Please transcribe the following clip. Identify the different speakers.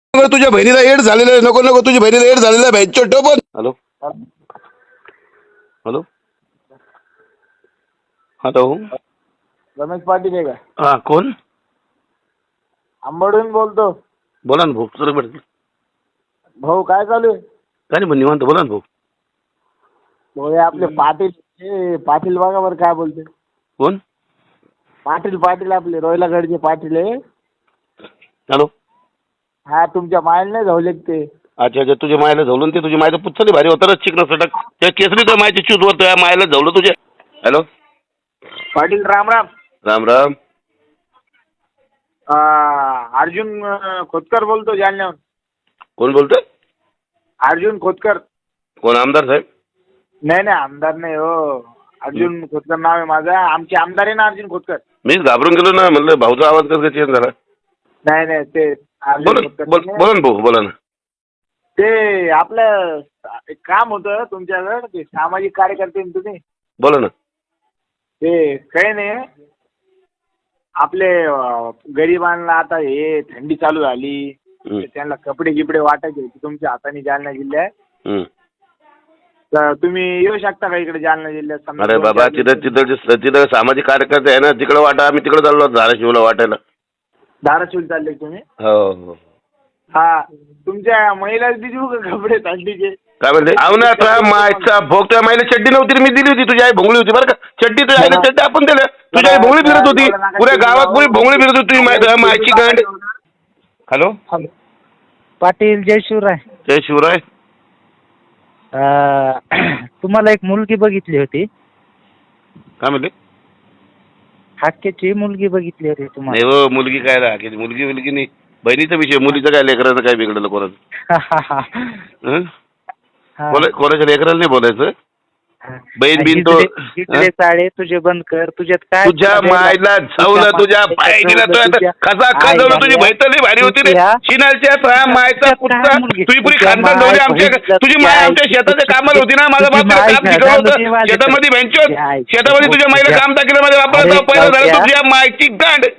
Speaker 1: तुझ्या बहिणीला एड झालेलं आहे. नको नको, तुझ्या बहिणीला एड झालेला आहे. टोपण. Hello hello hello.
Speaker 2: Ramesh Patil आहे का?
Speaker 1: हा कोण?
Speaker 2: आंबडून बोलतो.
Speaker 1: बोला ना भाऊ. सर भेट
Speaker 2: भाऊ काय चालू आहे?
Speaker 1: काय नाही, निवांत बोला ना भाऊ.
Speaker 2: भाऊ हे आपले पाटील, हे पाटील बघा बरं काय बोलते.
Speaker 1: कोण?
Speaker 2: पाटील पाटील आपले रोहिलागडचे पाटील आहे.
Speaker 1: हॅलो.
Speaker 2: हा तुमच्या मायला नाही झाले ते.
Speaker 1: अच्छा अच्छा, तुझ्या मायला झवलून ते तुझ्या मायचं पुच्छली भारी होतं चिकन सटक त्या केसरी तर मायची चूत वर तुझ्या मायला झवलं तुझ्या. हॅलो
Speaker 2: पाटील राम राम.
Speaker 1: राम राम.
Speaker 2: अर्जुन खोतकर बोलतो जालन्याहून.
Speaker 1: कोण बोलतोय?
Speaker 2: अर्जुन खोतकर.
Speaker 1: कोण? आमदार साहेब?
Speaker 2: नाही नाही आमदार नाही हो. अर्जुन खोतकर नाव आहे माझं. आमचे आमदार आहे ना अर्जुन खोतकर.
Speaker 1: मीच घाबरून गेलो ना, म्हणलं भाऊचा आवाज कसं काय चेंज झाला.
Speaker 2: नाही नाही ते
Speaker 1: बोला
Speaker 2: अर्जुन खोतकर
Speaker 1: बोला ना भाऊ, बोला ना.
Speaker 2: ते आपलं एक काम होतं तुमच्याकडं. ते सामाजिक कार्यकर्ते ना तुम्ही.
Speaker 1: बोला ना.
Speaker 2: ते काही नाही आपले गरिबांना आता हे थंडी चालू झाली तर त्यांना कपडे गिपडे वाटायचे होते तुमच्या हाताने जालना जिल्ह्यात. तर तुम्ही येऊ शकता का इकडे जालना जिल्ह्यात? समजा
Speaker 1: अरे बाबा, तिथं सामाजिक कार्यकर्ते आहे ना, तिकडे वाटा. आम्ही तिकडे चाललो धाराशिवला वाटायला.
Speaker 2: धाराशिव चालले तुम्ही?
Speaker 1: हो हो.
Speaker 2: हा तुमच्या महिला देऊ का कपडे थंडीचे?
Speaker 1: काय म्हणते? अहो ना, आता मायचा भोग. तुझ्या माईला चड्डी नव्हती रे, मी दिली होती. तुझी आई भोंगळी होती बरं का. चड्डी तुझ्या आईला चड्डी आपण दिल्या. तुझी आई भोंगळी फिरत होती, पुऱ्या गावात पुरी भोंगळी फिरत होती तुझी मायची गांड. हॅलो
Speaker 3: पाटील जय शिवराय.
Speaker 1: जय शिवराय.
Speaker 3: तुम्हाला एक मुलगी बघितली होती.
Speaker 1: काय म्हणते?
Speaker 3: हाकेची मुलगी बघितली होती
Speaker 1: नाही
Speaker 3: तुम्हाला.
Speaker 1: हो, मुलगी काय राहा, मुलगी नाही. बहिणीचा विषय. मुलीचं काय, लेकराचं काय बिघडलं कोणाचं? कोणाच्या लेकराला नाही बोलायचं. बहीण बिन तो
Speaker 3: साडे तुझे बंद कर. तुझ्यात काय?
Speaker 1: तुझ्या मायला झवलं, तुझ्या पाय गेला तो कसा खजवलं. तुझी बहितली भारी होती रे. शिनालच्या मायचा पुत्रा. तुझी पुरी खानदान ठेवली आमच्या. तुझी माय आमच्या शेताच्या कामाला होती ना. माझा बाप काम शिकवलं होतं शेतामध्ये. शेतामध्ये तुझ्या माईला काम टाकलं माझ्या बापाला. पहिलं झालं तुझ्या मायची गांड.